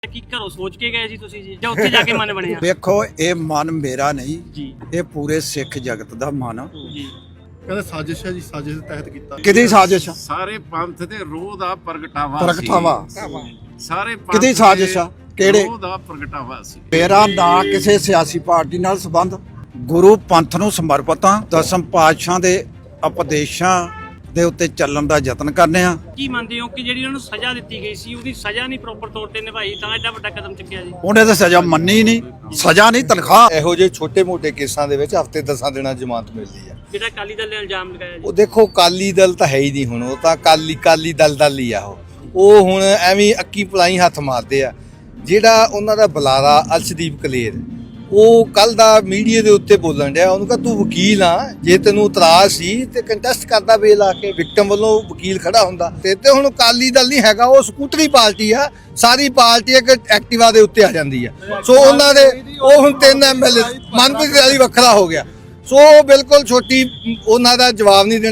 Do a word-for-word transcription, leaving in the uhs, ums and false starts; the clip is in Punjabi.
ਕੀ ਘਰੋਂ ਸੋਚ ਕੇ ਗਏ ਸੀ ਤੁਸੀਂ ਜੀ ਜਾਂ ਉੱਥੇ ਜਾ ਕੇ ਮਨ ਬਣਿਆ? ਵੇਖੋ ਇਹ ਮਨ ਮੇਰਾ ਨਹੀਂ ਜੀ, ਇਹ ਪੂਰੇ ਸਿੱਖ ਜਗਤ ਦਾ ਮਨ। ਜੀ ਕਹਿੰਦੇ ਸਾਜ਼ਿਸ਼ ਹੈ ਜੀ, ਸਾਜ਼ਿਸ਼ ਦੇ ਤਹਿਤ ਕੀਤਾ। ਕਿਹਦੀ ਸਾਜ਼ਿਸ਼ ਆ? ਸਾਰੇ ਪੰਥ ਦੇ ਰੋਹ ਦਾ ਪ੍ਰਗਟਾਵਾ ਪ੍ਰਗਟਾਵਾ ਸੀ। ਸਾਰੇ ਪੰਥ ਕਿਹਦੀ ਸਾਜ਼ਿਸ਼ ਆ? ਕਿਹੜੇ? ਰੋਹ ਦਾ ਪ੍ਰਗਟਾਵਾ ਸੀ। ਮੇਰਾ ਨਾ ਕਿਸੇ ਸਿਆਸੀ ਪਾਰਟੀ ਨਾਲ ਸੰਬੰਧ, ਗੁਰੂ ਪੰਥ ਨੂੰ ਸਮਰਪਿਤ ਹਾਂ। ਦਸਮ ਪਾਤਸ਼ਾਹ ਦੇ ਉਪਦੇਸ਼ਾਂ ਦੇ ਉੱਤੇ ਚੱਲਣ ਦਾ ਯਤਨ ਕਰਨੇ ਆ। ਕੀ ਮੰਨਦੇ ਹੋ ਕਿ ਜਿਹੜੀ ਉਹਨਾਂ ਨੂੰ ਸਜ਼ਾ ਦਿੱਤੀ ਗਈ ਸੀ ਉਹਦੀ ਸਜ਼ਾ ਨਹੀਂ ਪ੍ਰੋਪਰ ਤੌਰ ਤੇ ਨਿਭਾਈ ਤਾਂ ਐਡਾ ਵੱਡਾ ਕਦਮ ਚੁੱਕਿਆ ਜੀ? ਉਹਨੇ ਤਾਂ ਸਜ਼ਾ ਮੰਨੀ ਨਹੀਂ, ਸਜ਼ਾ ਨਹੀਂ ਤਨਖਾਹ। ਇਹੋ ਜਿਹੇ ਛੋਟੇ-ਮੋਟੇ ਕੇਸਾਂ ਦੇ ਵਿੱਚ ਹਫ਼ਤੇ ਦਸਾਂ ਦਿਨਾਂ ਜ਼ਮਾਨਤ ਮਿਲਦੀ ਆ। ਜਿਹੜਾ ਅਕਾਲੀ ਦਲ ਨੇ ਇਲਜ਼ਾਮ ਲਗਾਇਆ ਜੀ, ਉਹ ਦੇਖੋ ਕਾਲੀ ਦਲ ਤਾਂ ਹੈ ਹੀ ਨਹੀਂ ਹੁਣ, ਉਹ ਤਾਂ ਕਾਲੀ ਕਾਲੀ ਦਲ ਦਲ ਹੀ ਆ। ਉਹ ਉਹ ਹੁਣ ਐਵੇਂ ਅੱਕੀ ਪਲਾਈ ਹੱਥ ਮਾਰਦੇ ਆ। ਜਿਹੜਾ ਉਹਨਾਂ ਦਾ ਬੁਲਾਰਾ ਅਰਸ਼ਦੀਪ ਕਲੇਰ, ਉਹ ਕੱਲ ਦਾ ਮੀਡੀਆ ਦੇ ਉੱਤੇ ਬੋਲਣ ਡਿਆ। ਉਹਨੂੰ ਕਹ ਤੂੰ ਵਕੀਲ ਆ, ਜੇ ਤੈਨੂੰ ਇਤਰਾਜ਼ ਸੀ ਤੇ ਕੰਟੈਸਟ ਕਰਦਾ ਬੇਲ ਆ ਕੇ, ਵਿਕਟਮ ਵੱਲੋਂ ਵਕੀਲ ਖੜਾ ਹੁੰਦਾ। ਤੇ ਤੇ ਹੁਣ ਅਕਾਲੀ ਦਲ ਨਹੀਂ ਹੈਗਾ, ਉਹ ਸਕੂਟਰੀ ਪਾਰਟੀ ਆ। ਸਾਰੀ ਪਾਰਟੀ ਇੱਕ ਐਕਟਿਵਾ ਦੇ ਉੱਤੇ ਆ ਜਾਂਦੀ ਆ। ਸੋ ਉਹਨਾਂ ਦੇ ਉਹ ਹੁਣ ਤਿੰਨ ਐਮ ਐਲ ਏ, ਮਨਪ੍ਰੀਤ ਵਾਲੀ ਵੱਖਰਾ ਹੋ ਗਿਆ। ਸੋ ਬਿਲਕੁਲ ਛੋਟੀ ਉਹਨਾਂ ਦਾ ਜਵਾਬ ਨਹੀਂ ਦੇਣਾ।